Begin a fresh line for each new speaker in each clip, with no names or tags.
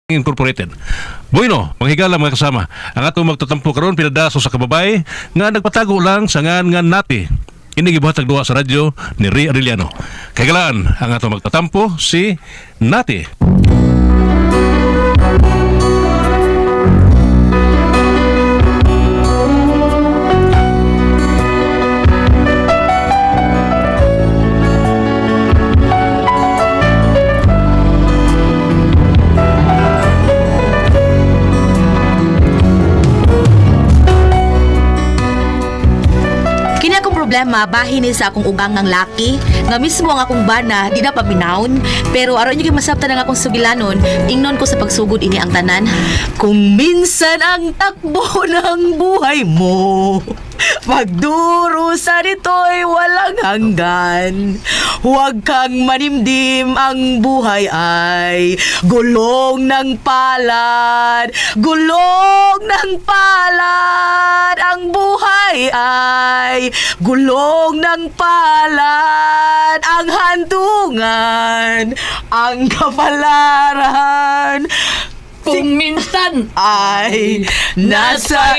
Incorporated. Bueno, manghigala mga kasama. Ang atong magtatampo karon pinadaso sa kababay nga nagpatago lang sa ngan nati. Ini gibuhatag duwa sa radyo ni Ray Arellano. Kagalaan ang atong magtatampo si Nati.
Problema bahin ni sa akong ugang ng laki nga mismo ang akong bana di na paminawon pero aron yung masabta ng akong sugilanon ingnon ko sa pagsugod ini ang tanan kung minsan ang takbo ng buhay mo magdurusa nito'y walang hanggan. Huwag kang manimdim, ang buhay ay gulong ng palad. Gulong ng palad. Ang buhay ay gulong ng palad. Ang handungan, ang kapalaran.
Kung minsan
ay nasa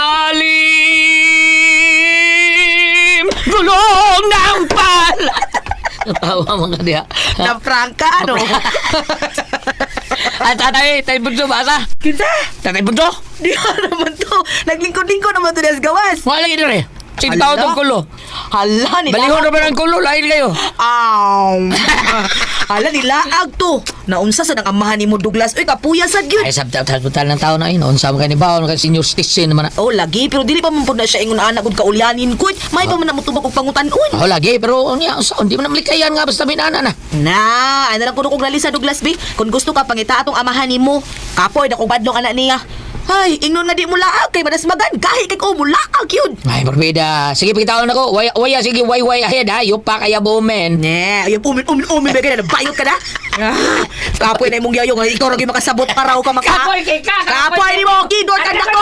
ilalim gulong ng palad.
Natawa mga diha.
Na prangka, ano?
At tatay, tayo bunso basa.
Kita?
Tatay bunso.
Di naman to. Naglingkod-lingkod naman to des gawas.
Wala lagi dire. Sintaw
Hala?
itong kulo.
Hala, nila.
Balihon naman ang kulo, lain kayo.
Hala, nilaag to. Naunsa sa nang amahan ni mo, Douglas. Uy, kapuya sa gyud.
Ay, sabtal ng tao na yun. Unsa mo ka ni Baon, ka senior citizen naman.
Oh, lagi. Pero dili pa man po na siya ingon anak kung kaulyanin ko. May pa man namutubak kong pangutan-un.
Oh, lagi. Pero, hindi mo na malikayan nga basta minana na.
Ano lang kuno kong lalisa, Douglas B. Kung gusto ka, pangita atong amahan ni mo. Kapoy, na kong badlong anak niya. Ay, ingnon nga di mo laag kay manas magan. Kahit kay ko mo laag yun.
Ay, barbida. Sige, pakitawan ako. Waya, sige, way ahead ha. Yupa kaya bumen.
Ne, ayun, umin, ba na, bayot ka na? Kapoy na imong yayong, ikaw rin makasabot ka raw ka maka...
Kapoy kay ka!
Kapoy ni mo, kidot ka na ko!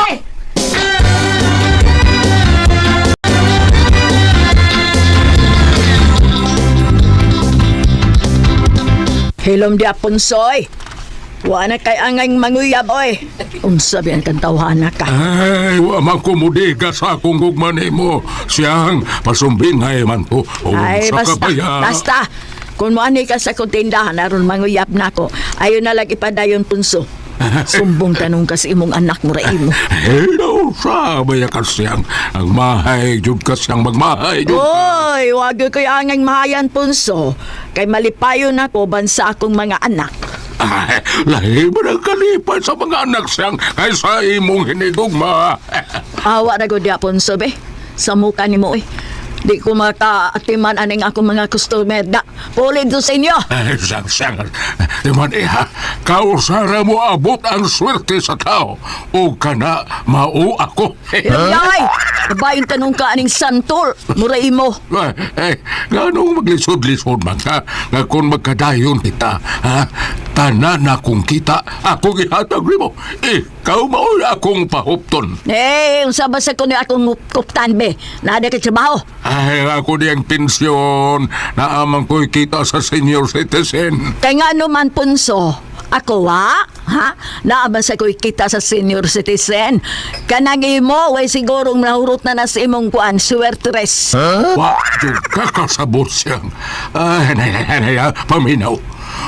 Hilom di apunsoy. Wala kay angay manguyab, oy. Unsa biyan kang tawhana ka?
Ay, wama kumudiga sa akong gugman mo. Siyang pasumbingay man po.
Ay,
Sa
basta,
kabaya.
basta. Kung moani ka sa kutindahan, aron manguyab na ko, ayon na lang ipadayon punso. Sumbong tanong ka sa imong anak mo raimo.
Hello, sabay ka siyang. Ang mahay, jud ka siyang magmahay. Jud ka.
Oy, wag ko'y angay mahayan punso. Kay malipayo na ko bansa akong mga anak.
Ay, lahi ba ng kalipan sa mga anak siyang kaysa imong hinigugma?
Awa na ko di apunso, be. Sa muka ni mo, eh. Di ko makaatiman aning akong mga customer da. Pulid do sa inyo.
Ay, siyang. Diman iha, kausara mo abot ang swerte sa tao. O kana, mau ako.
Yay! Babayin tanong ka aning santol. Muray mo.
Ganong maglisod-lisod man ka nga kung magkadayon kita, ha? Tanan akong kita, ako gihatag mo. Ikaw maoy akong pahupton.
Unsa ba sa kuno akong kuptan, be? Nada ka trabaho.
Ay, ako diyang pensyon na amang ko'y kita sa senior citizen.
Kay nga naman punso. Ako ha? Naaman sa ko'y kita sa senior citizen. Kanang imo, way sigurong nahurot na sa imong kuan, suwertres.
Wakto kakasabot siyang. Ay, paminaw.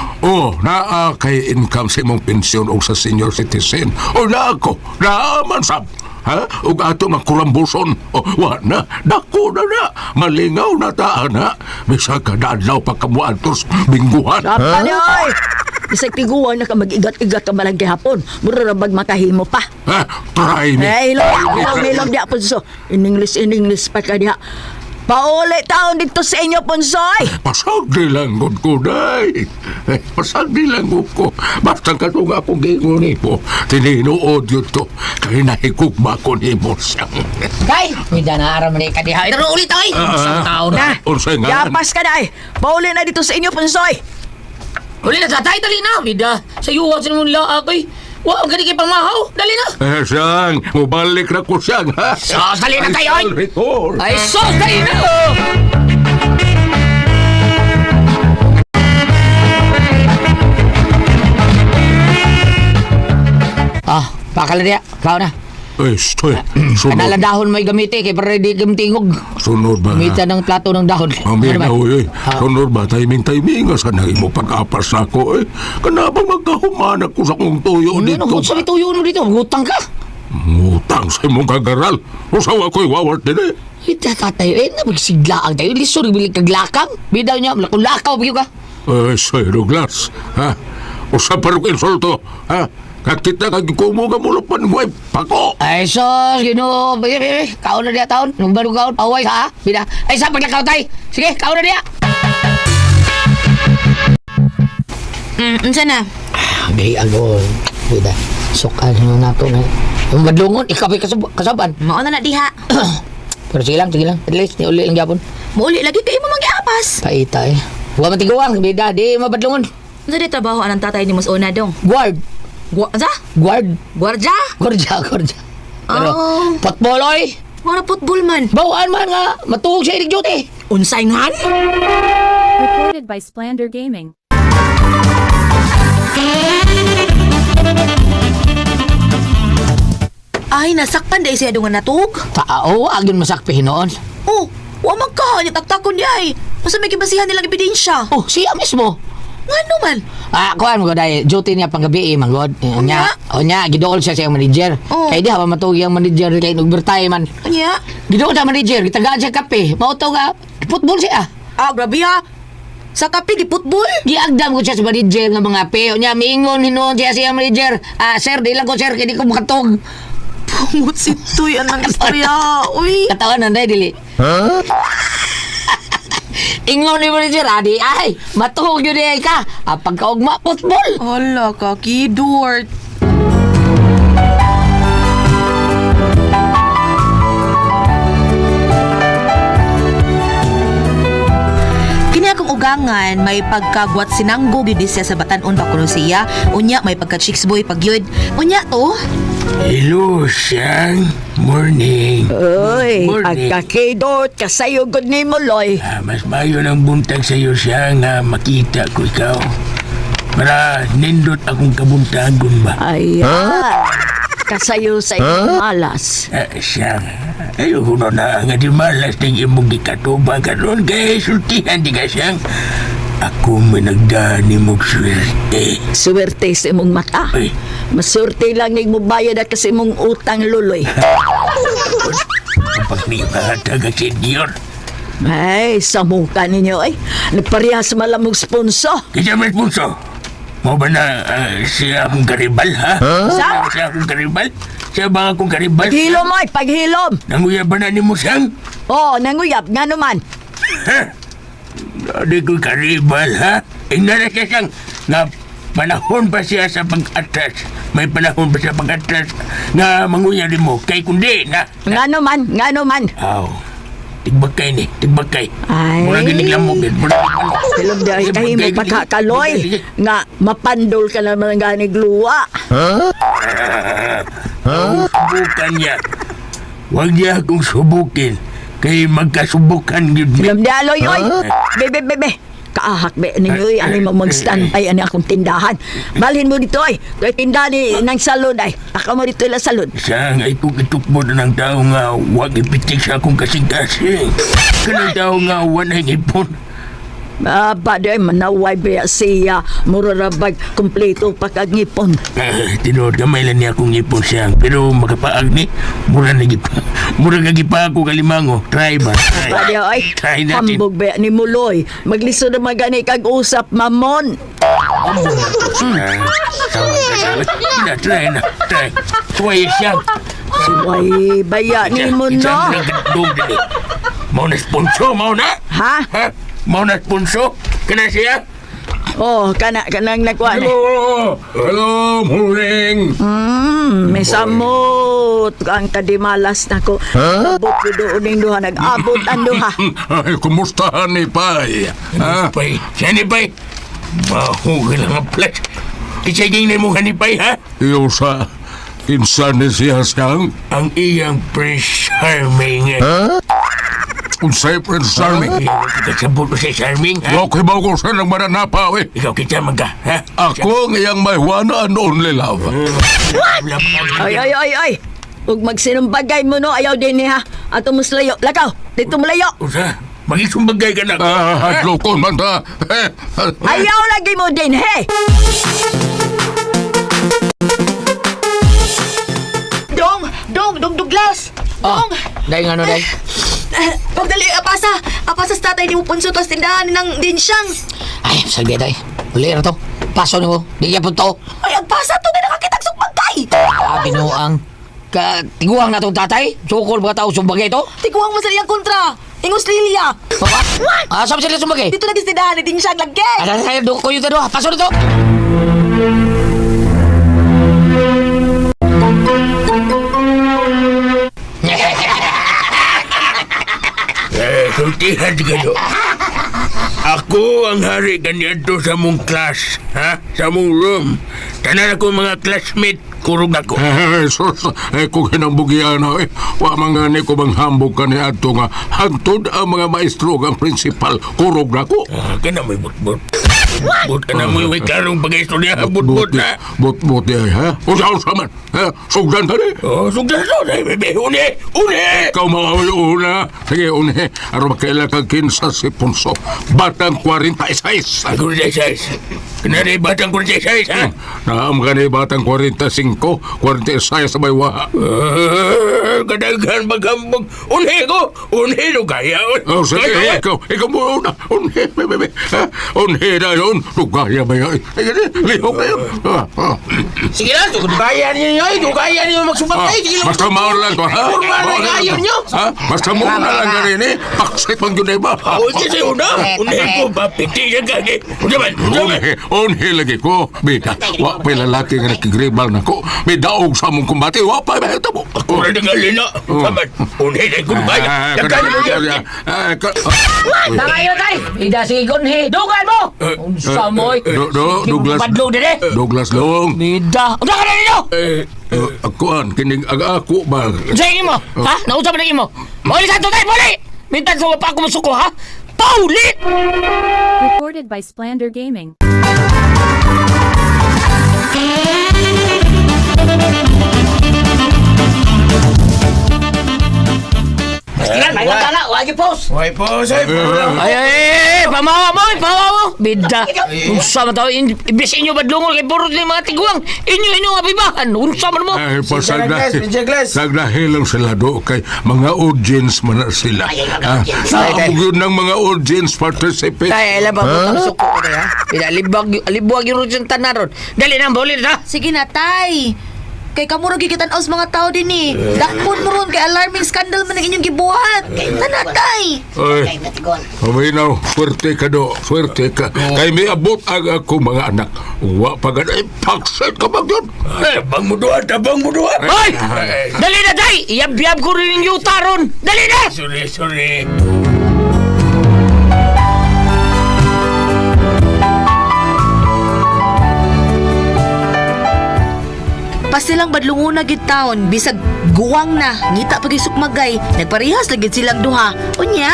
Naa kay income sa imong pensyon o sa senior citizen. Na ako, naaman sab. Ug ato ng kurambuson. Wana, dako na. Malingaw na taan ha. Bisa ka daadlaw pagkamuantos bingguhan.
Sapa ni oy! Bisag tiguan na ka mag-igat-igat ka malang gihapon. Mura na bag makahimo pa.
Try me.
Ilong di punso. In English pa ka diha. Pauli taon dito sa inyo, punsoy!
Pasagdi lang gud ko, day. Pasagdi lang gud ko. Basta ka itong akong gingon po. Tininuod yun to. Kaya nahigugma ko ni mo siyang.
Kay! Hindi na aram ni kadiha. Ito ulit ay! Isang tao na.
Ursay nga.
Yapas ka na eh! Pauli na dito sa inyo, punsoy!
Uli na tatay, dali na. Vida, sa iyo sa mong laak ay. Wa, ang gani kay pamahaw. Dali na.
Siyang, mubalik na ko siyang, ha?
Sos, dali na kayo, ay.
Recall.
Ay, sos, dali na. Pakala niya, kao na.
Estoy, sunod.
Kanalang dahon may gamiti, kay para di gamtingog.
Sunod ba?
Gamitan ng plato ng dahon.
Amin na,
Ano ba?
uy. Sunod ba? Timing. Asa na mo pag-apas na ako, eh. Kanabang magkahumanak ko sa kong tuyo dito.
Ano, sa tuyo mo dito, gutang ka.
Ngutang sa imong kagaral. Usaw ako'y wawart din, eh.
Ita tatay, magsiglaang tayo. Liso, bilig kaglakang. Bidaw niya, lakaw, bigyo ka.
Soy Douglas, ha? Usa pa rin insulto, ha? Kakita kagikumo ka mula pa mo, pako.
Ay, sos, kaon na niya taon. Nung baru kaon, away ha, bida. Ay, sa paglakaw tay. Sige, kaon na niya.
Unsa na?
May ano, bida. Sokan na nato na. Yung madlungon, ikaw ay kasaban.
Mao na diha.
Pero sige lang. At least, uli lang yapon.
Mauli lagi kay mo mag-apas.
Paita eh. Huwag matiguan, bida. Di mabadlungon.
Unsa di trabaho anang tatay ni Mos Una dong?
Guard.
Unsa?
Guard.
Gwardya?
Gordya. Pero,
Oh.
potboloy.
Wala football man.
Bawaan man nga, matuog siya ilig duty.
Unsay ngan?
Recorded by Splander Gaming.
Ay, nasakpan dahil siya dungan natug.
Tao, agyon masakpihin noon.
Oh, wa man ka. Taktakon niya ay. Masa may kibasihan nilang ebidensya.
Oh, siya mismo.
Nga naman.
Kuhan mo ko dahil, duty niya panggabi manggod.
Unya?
Onya, gidool siya sa manager.
Oh.
Kaya di ha, matugi ang manager kay nag-overtime man.
Kanya?
Gidool sa manager, gitagaan siya kape. Mauto nga, football siya.
Ah, grabe ha. Sa kape, di football?
Giagdam ko siya sa manager ng mga pe. Onya, miingon, hinuon siya siya manager. Sir, di lang ko sir, kaya di ko makatog.
Pumut si Tuy, anang istorya. Uy.
Katawan na, dili. Ingon ni manager, adi, ay, matuhog yun ay ka. Pagkaugma, football.
Hala ka, Kidort. Kini akong ugangan, may pagkagwat sinanggo gyud siya sa Batan-on Bakulo siya. Unya, may pagka-chicks boy pagyud. Unya to.
Hello, Sang. Morning.
Uy,
Morning.
agkakidot, kasayugod ni mo, Loy.
Mas mayo ng buntag sa iyo siya nga makita ko ikaw. Para nindot akong kabuntagon ba?
Ayan. Kasayo sa iyong malas.
Siyang, ayoko na nga di malas ng imong gikatuba karon kay sultihan di ka siyang. Ako may nagdani mong swerte.
Suwerte sa imong mata.
Ay.
Masurte lang ng mo bayad at kasi mong utang, Luloy.
Kapag may kahatag ang senyor.
Ay, sa mukha ninyo ay. Nagparehas malamong sponsor.
Kaya may punso. Mo ba na siya akong karibal, ha? Siya akong karibal? Siya ba akong karibal?
Paghilom ay, paghilom.
Nanguya ba na ni mo siyang?
Oo, nanguyap, nga naman.
Ha? Di ko karibal, ha? Ingnan na siya siyang na panahon pa siya sa pag-atras. May panahon pa siya pag-atras na manguya rin mo. Kay kundi na.
Nga naman.
Aw. Tigbagkay ni, tigbagkay.
Ay.
Mura ginig lang mo, gid.
Silog di ay kahimo pagkakaloy. Nga, mapandol ka naman ng ganig luwa.
Subukan niya. Huwag niya akong subukin. Kay magkasubukan yun.
Silog di aloy, oy. Bebe. Kaahak be ninyo, ano mo mag-standby, ano akong tindahan. Balhin mo dito, ay. Kaya tindahan ni ng salon, ay. Ako mo dito ila salon.
Siyang ay kung itukbo na ng tao nga huwag ipitik sa akong kasing-kasing. Kanang tao nga huwag na hingipon.
Baday, manaway ba siya. Murarabag, kompleto pagkagipon.
Tinood kamay lang niya akong ngipon siyang. Pero makapaag ni, mura kagipa ako kalimango. Try ba?
Baday, ay.
Try natin.
Hambog ba ni Muloy. Magliso na magani kag-usap, mamon.
Try na. Try siyang.
Suway, baya ni mo, no?
Mau na sponsor, mau na?
Ha?
Ha? Mau na sponsor? Kana siya?
Oh, kanang nagkuhan.
Hello, morning.
May samot ang kadimalas na ko. Abot ko doon yung duha. Nag-abot ang duha.
Ay, kumusta ni Pai? Ha? Pai? Siya ni Pai? Mahugil ang plat. Kisaging na mo ni Pai, ha? Iyo sa insan ni siya siyang? Ang iyang Prince Charming. Ha? Unsay Prince Charming?
Kasabot mo si Charming, ha?
Wa ko hibaw ko sa nang mananapa, we.
Ikaw kita man ka, ha?
Ako ngayang may one and only love.
Ay. Huwag magsinumbagay mo no, ayaw din niya. Ato mo layo. Lakaw, dito mo layo.
Usa, magisumbagay ka na.
Hadlo ko man ta.
Ayaw lagi mo din, he.
Dong, Douglas!
Oh,
Dong!
dahil nga no, dahil.
Pagdali, apasa sa tatay ni mo punso tos tindahan ng dinsyang.
Ay, salbi dahil. Uli na to. Paso ni mo. Di niya po to.
Ay, agpasa to na nakakitag sumbagay.
Binuang. Tiguang na tong tatay. Sukol mga tao sumbagay ito.
Tiguang mo sa iyang kontra. Ingos Lilia.
Baba? Saan sila sumbagay?
Dito lagi sa tindahan ni dinsyang lagi.
Ay, doon ko yung tado. Paso na to.
Sultihan ka do. Ako ang hari ganito sa mong class, ha? Sa mong room. Tanan ako mga classmate, kurog ako.
Sus, kung hinambugian na wa mangani ko bang hambog ka ni ato nga hantod ang mga maestro ang principal kurog na ko.
Kana mo'y butbut. But kana mo'y karong pag-istorya, butbut na.
Bot di ay, ha? Usa man, ha? Sugdan ka ni.
Oh, sugdan so, bebe, une!
Ikaw mga una. Sige, une. Aro makaila kang kinsa si Punso. Batang 46.
Ako rin size. Kanari batang ko rin size, ha?
Naam ka ni batang 45, 46 sa baywa.
Kadaghan maghambog. Une ko! Une no kaya.
Oh, sige, ikaw mo una. Une, bebe. Une na yun. Lugaya ba yan? Lihok na yun.
Sige lang, kaya niyo yun. Kaya niyo magsumbagay. Sige lang.
Basta maon lang to, ha?
Kurma na kayo niyo.
Ha? Basta maon na lang ka rin, eh. Paksit pang yun, ba?
O, kasi una. Une ko, papiti siya kage. Unaman.
Unhi lagi ko. Bida, wa pa lalaki nga nakigribal na ko. May daog sa mong kumbati. Wa pa mahita mo.
Ako rin ang alina. Saman, une na ko baya. Yakan mo yan.
Tangayo tay. Ida sige gunhi. Dugan mo. Unsa moy.
Douglas.
Padlo dire.
Douglas Long.
Bida. Unsa ka na ninyo?
Akuan, kining ako ba?
Sige mo. Ha? Nausa ba na mo? Muli sa to tay, muli. Mintan sa pa ako masuko ha. Paulit.
Recorded by Splander Gaming.
Yan, may natala. Wagi post.
Why po, sir?
Ay, pamawa mo. Bida. Unsa man tao, imbes inyo badlungol kay burot ni mga tiguang. Inyo nga bibahan. Unsa man mo.
Ay, pasagdahil lang sila do kay mga audience man na sila. Naabog yun ng mga audience participate.
Ay, alam ba mo suko ko ha? Bida libwag yung rudyan tanaron. Dali na, boli na.
Sige na, tay. Kay kamuro gikitan aus mga tao din eh. Dakpon mo ron kay alarming scandal man ang inyong gibuhat. Tanatay.
Ay, paminaw, swerte ka do, swerte ka. Kay may abot ang ako mga anak. Wa pa ganay, pakset ka ba yun?
Tabang mo doon.
Hoy! Dali na, day! Iyab-yab ko rin yung yuta ron. Dali na!
Sorry.
Pasilang badlunguna gid taon bisag guwang na ngita pag sukmagay nagparehas lagi silang duha unya.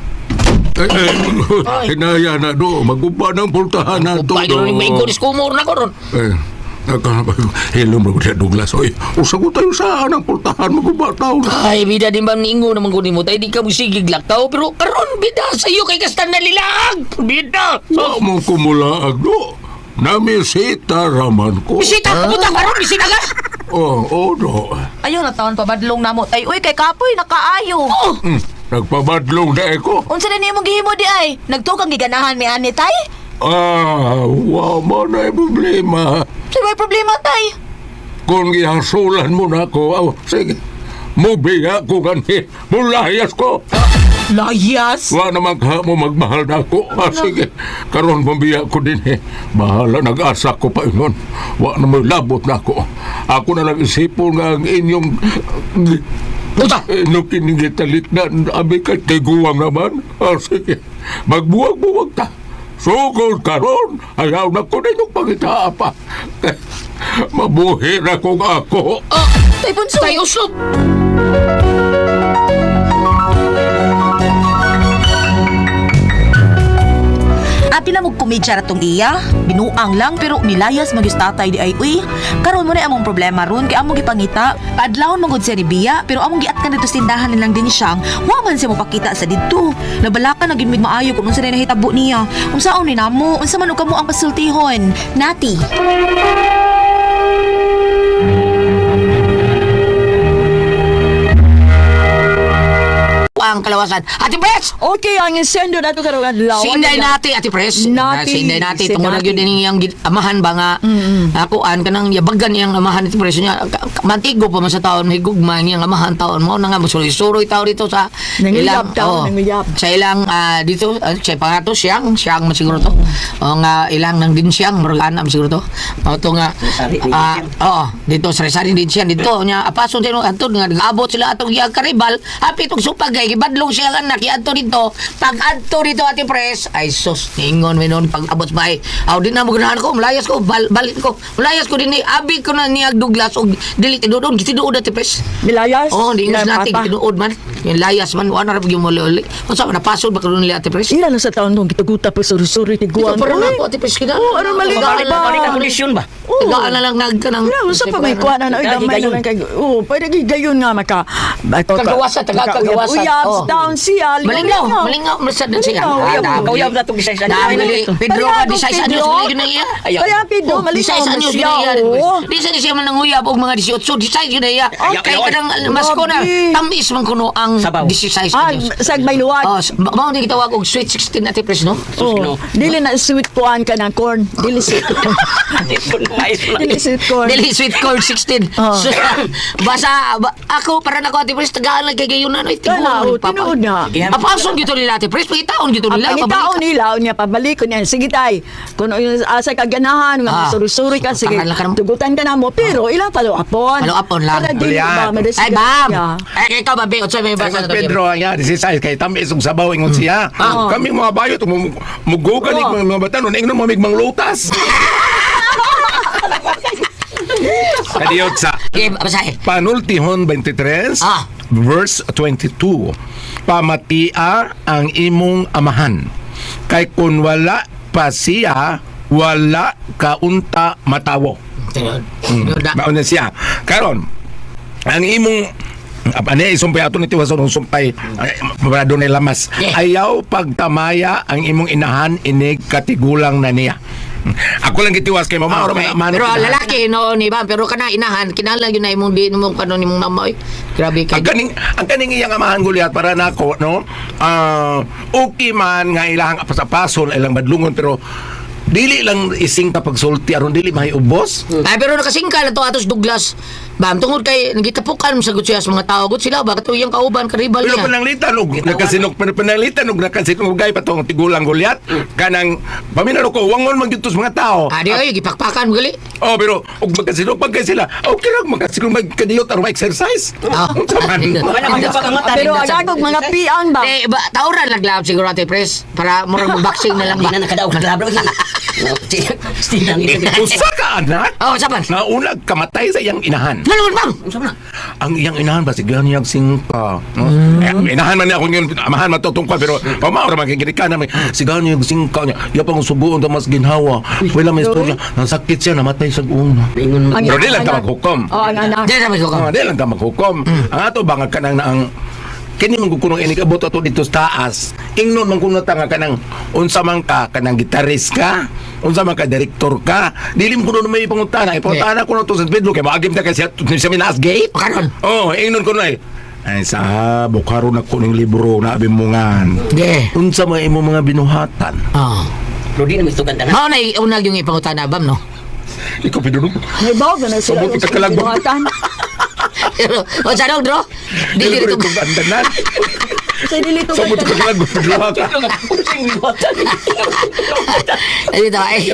Hinaya na do, magupa ng pultahan na to.
Upay rin may gulis kumor na ko ron.
Hello, mga Douglas. Oy, usagot tayo sa anang pultahan, magupa tao na.
Ay, bida din ba ningo naman kunin mo tayo di ka musigig laktaw pero karon bida sa iyo kay kastan na lilag. Bida.
Wa mo kumulaag do. Namisita raman ko.
Bisita puta karon bisita ka.
Oo, do.
Ayaw na taon pa badlong namo. Ay uy kay kapoy nakaayo.
Nagpabadlong na ako.
Unsa na nimo gihimo di ay? Nagtukang giganahan mi ani tay?
Wa mo na problema.
Sa may problema tay?
Kung gihasulan mo na ako, sige. Mubiya ko ganhi. Mulayas ko.
Layas.
Wa naman ka mo magmahal na ako. Sige. Karon pambiya ko din eh. Bahala, nag-asa ko pa yun. Wa naman labot na ako. Ako na nag-isipon nga ang inyong...
Puta!
Nung kinigitalit na abi ka tiguang naman. Sige. Magbuwag-buwag ta. Sugod karon. Ayaw na ko na yung pangitaapa. Mabuhi na kong ako.
Tay punso.
Tay uslop.
Abi na mo kumidya ratong iya. Binuang lang pero nilayas magyus tatay di ay uy. Karon mo na among problema ron kay among gipangita. Adlawon magud siya ni Biya pero among giatkan dito sa tindahan nilang din siyang wa man siya mopakita sa didto. Nabalakan na gid maayo kung unsa na nahitabo niya. Unsaon ni namo? Unsa man og kamo ang pasultihon? Nati.
Ang kalawasan. Ate Pres!
Okay, ang insendo na ito karong adlaw.
Sinday nati, Ate Pres.
Nati.
Sinday nati.
Si
Tungkol na
Nati.
yun din yung amahan ba nga. Akuan ka nang yabagan niyang amahan, Ate Pres. Niya, mantigo pa man sa taon, may gugma niyang amahan taon mo. Na nga, musuloy-suroy tao dito sa
Nanguyab taon, nanguyab.
Sa ilang, dito, sa pangato, siyang masiguro to. O nga, ilang nang din siyang, maragana masiguro to. O to nga, dito, sari-sari din siya. Dito, niya, apason sila, antod nga, nag-abot sila atong iyang karibal. Happy itong supagay, ibadlong siya anak, iadto dito. Pag-adto dito, Ate Pres, ay sus, ningon, minon, pag-abot sa bahay. Aw, di na mo ganahan ko, malayas ko, balit ko. Malayas ko din, abi ko na niyag Douglas, o dili, tinuod, gitinuod, Ate Pres.
Bilayas?
Oh, di ingas natin,
Papa.
gitinuod man. Yung layas man, wala na rin yung muli-uli. Kung saan, napasod ba ka nila, Ate Pres?
Ilan na sa taon nung kitaguta pa suri-suri ni Guang.
Ito parang ako, Ate Pres, kina.
Oo, ano maligaw ba?
kondisyon ba?
Tagaan na lang nga ka ng...
Sa pa may kuha na na gamay na lang kay. Oo, pwede gigayon nga maka.
Kagawasan, taga-kagawasan.
Uyab,
Oh.
down siya.
Malingaw, masad na siya.
Uyab na itong isay sa
Dahil, Pedro,
Kaya,
di 6 anyos
Pedro.
na yun na iya.
Kaya Pedro,
Di
malinaw
6
na
anyos
siya.
na iya.
Oo.
Di sa siya man nanguyab og mga 18, di 6 yun na iya. Kaya ka nang mas ko na,
Grabe.
tamis man kuno ang
Sabaw.
16
Ah,
anyos.
sag may luwag.
Oh, mao ni gitawag og sweet 16 Ate Pres, no?
Oh, dili na sweet kuan ka ng corn. Dili sweet. Dili sweet corn.
Dili sweet corn 16.
Oh.
So, ako para nako Ate Pres tagaan lang kay gayunan ay
Kala,
tiguan.
tinuod na.
Apason gito nila Ate Pres, pagitaon gito
Ang
nila.
pangitaon nila, niya pabalik ko niya. Sige tay, kung yung asa kaganahan, nga suri-suri ka, sige,
Tangan lang ka naman.
tugutan ka na mo. Pero ilang palo-apon.
Palo-apon lang.
Para di
Julian.
ba, madasigan
Ay, bam!
niya.
Ay, ikaw ba, Beo? May basa
Sa Pedro ang yan, si Sai, kay tamis yung sabaw ingon siya. Kami mga bayo, mugugan mga bata, nun ingnon mamigmang lutas. Kadiyot sa
Okay, basahin.
Panultihon 23, verse 22. Pamatia ang imong amahan. Kay kun wala pa siya, wala kaunta matawo. Mauna siya. Karon, ang imong ano isumpay ato ni tiwason ng sumpay mabrado ni lamas ayaw pagtamaya ang imong inahan inig katigulang na niya. Ako lang gitiwas kay mama
Okay. Pero lalaki no ni ba pero kana inahan kinala yun na imong di mo kanon imong namoy. Grabe kay.
ang kaning iyang amahan Goliath para nako no okay man nga ilahang apasapason ilang badlungon pero dili lang ising kapag sulti aron dili mahiubos.
Ay pero nakasingkal to atos Douglas. Bam tungod kay nagitapukan sa gud siya sa mga tao gud sila ba katuyang kauban karibal
Pero
niya.
pananglitan og nakasinok og gay patong tigulang Goliath kanang paminalo ko wangon man gyud sa mga tao.
Adi ay gipakpakan mo gali.
Oh, pero og magkasinok pag kay sila. Okay lang magkasinok magkadiyot aron exercise.
Pero agagog mga piang ba?
Eh, tauran laglab siguro Ate Pres para murag boxing na lang ba.
Hindi na nakadaog naglabro. Stinang ito.
Usa ka anak
Oh, saban.
nga unag kamatay sa iyang inahan.
Nalun bang.
Ang iyang inahan ba sigan niyang singka. No? Inahan man niya ako ngayon, amahan matutungkol pero pamaura magkikinig ka namin. Sigan niyang singka niya. Iya pang subuon na mas ginhawa. Wala may istorya. Nasakit siya, namatay sa una. Pero di lang ka maghukom.
Oh, ang anak.
Diyan sabi ko ka.
Di lang ka maghukom. Ang ato bangag ka nang ang kini man kuno ini kabot ato dito sa taas. Ingnon man kuno ta nga kanang unsa man ka kanang gitarist ka, unsa man ka direktor ka. Dili mo kuno may pangutana. Ipangutana kuno to sa Pedro kay maagim ta kasi sa Minas Gate.
Karon.
Oh, ingnon kuno ay. Ay sa bukaro na kuning libro na abimungan.
Ge.
Unsa man imo mga binuhatan?
Oh.
Pero di na mistugan ka na.
Mao na unag yung ipangutan na bam no.
Ikaw Pedro.
May bawa na sila.
Sabot ka kalagbo.
Pero o sa dro. Dili
Dili
to.
ko andanan.
Sa dilito
Sa mo ka kalagbo Pedro ka.
Dili to ay.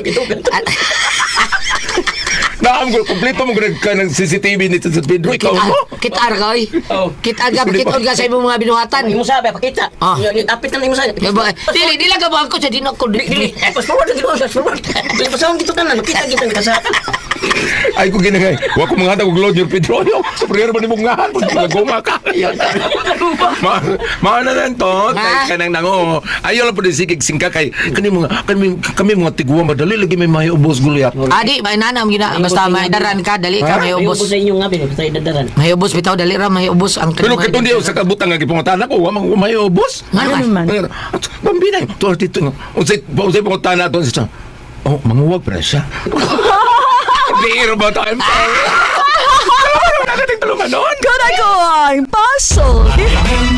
Naam ko kompleto mo ka ng CCTV nito sa Pedro ikaw mo.
Kitar ka oy. Kitar ka sa imong mga binuhatan.
Imo sabi pakita. Tapit na imo sabi.
Dili lang ka ba ako sa dinok ko.
Dili. Fast forward lagi fast forward. Dili pa sa dito tanan makita kita sa
Ay ko ginagay. Wa ko mga og load yung petrolyo. Superior ba ni mong ngahan? Guma ka. Maana lang to. Kay kanang nango. Ayaw lang po din sigig singka kay kami mga tiguan madali lagi may may ubos gulyat.
Adi, may nanam gina basta may daran ka dali ka may ubos.
sa inyo nga sa idadaran.
May ubos bitaw dali ra may ubos ang
Pero katundi sa kabutang nga gipangutana ko, wa man may ubos.
Ano
man?
Bambina, to dito. Unsay pangutana to sa. Oh, manguwag pa siya. Biro ba tayo? Wala ka tulungan noon.
Ganagoy, puzzle.